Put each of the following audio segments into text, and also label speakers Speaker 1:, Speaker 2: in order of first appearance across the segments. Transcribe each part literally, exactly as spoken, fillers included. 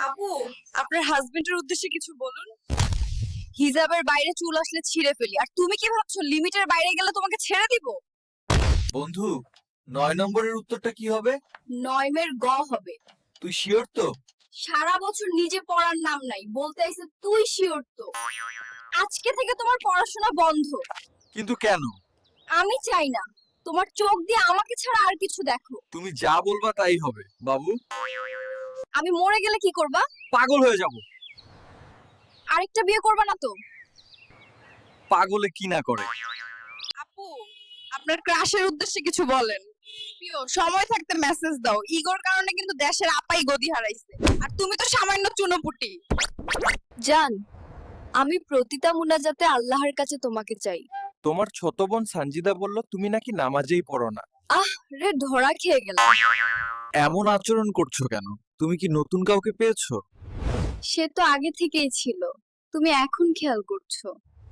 Speaker 1: আপু, আপনার হাজবেন্ডের উদ্দেশ্যে কিছু বলুন। হিজাবের বাইরে চুল আসলে ছিঁড়ে ফেলি, আর তুমি কি ভাবছো লিমিটের বাইরে গেলে তোমাকে ছেড়ে দিব?
Speaker 2: বন্ধু, নয় নম্বরের উত্তরটা কি হবে?
Speaker 1: নয়মের গ হবে।
Speaker 2: তুই শিওর তো?
Speaker 1: সারা বছর নিজে পড়ার নাম নাই, বলতে আইছে তুই শিওর তো? আজকে থেকে তোমার পড়াশোনা বন্ধ।
Speaker 2: কিন্তু কেন?
Speaker 1: আমি চাই না তোমার চোখ দিয়ে আমাকে ছাড়া আর কিছু দেখো।
Speaker 2: তুমি যা বলবা তাই হবে বাবু।
Speaker 1: আমি মরে গেলে কি করবা?
Speaker 2: পাগল হয়ে যাব।
Speaker 1: আরেকটা বিয়ে করবা না তো?
Speaker 2: পাগলে কি না করে।
Speaker 1: আপু, আপনার ক্রাশের উদ্দেশ্যে কিছু বলেন। প্রিয়, সময় থাকতে মেসেজ দাও, ইগোর কারণে কিন্তু দেশের আপাই গদি হারাইছে, আর তুমি তো সামান্য চুনোপুটি। জান, আমি প্রতিটা মুনাজাতে আল্লাহর কাছে তোমাকে চাই।
Speaker 2: তোমার ছোট বোন সঞ্জিদা বলল তুমি নাকি নামাজেই পড়ো না।
Speaker 1: আহ রে, ধরা খেয়ে গেলাম।
Speaker 2: এমন আচরণ করছো কেন? তুমি কি নতুন কাউকে পেয়েছো?
Speaker 1: সে তো আগে থেকেই ছিল, তুমি এখন খেয়াল করছো।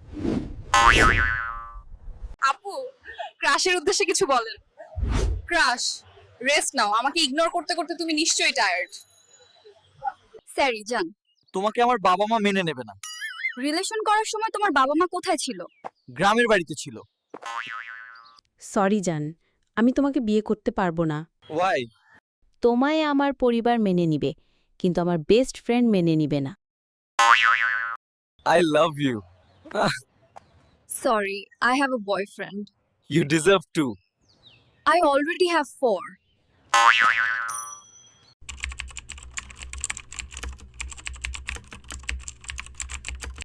Speaker 1: আপু, ক্রাশের উদ্দেশ্যে কিছু বলেন। ক্রাশ, রেস্ট নাও, আমাকে ইগনোর করতে করতে তুমি নিশ্চয়ই টায়ার্ড। স্যারি জান।
Speaker 2: তোমাকে আমার বাবা মা মেনে নেবে না।
Speaker 1: রিলেশন করার সময় তোমার বাবা মা কোথায় ছিল?
Speaker 2: গ্রামের বাড়িতে ছিল।
Speaker 3: সরি জান, আমি তোমাকে বিয়ে করতে পারবো না।
Speaker 2: ওয়াই?
Speaker 3: তোমায় আমার পরিবার মেনে নিবে, কিন্তু আমার বেস্ট ফ্রেন্ড মেনে নিবে না।
Speaker 2: I love you.
Speaker 1: Sorry, I have a boyfriend.
Speaker 2: You deserve too.
Speaker 1: I already have four.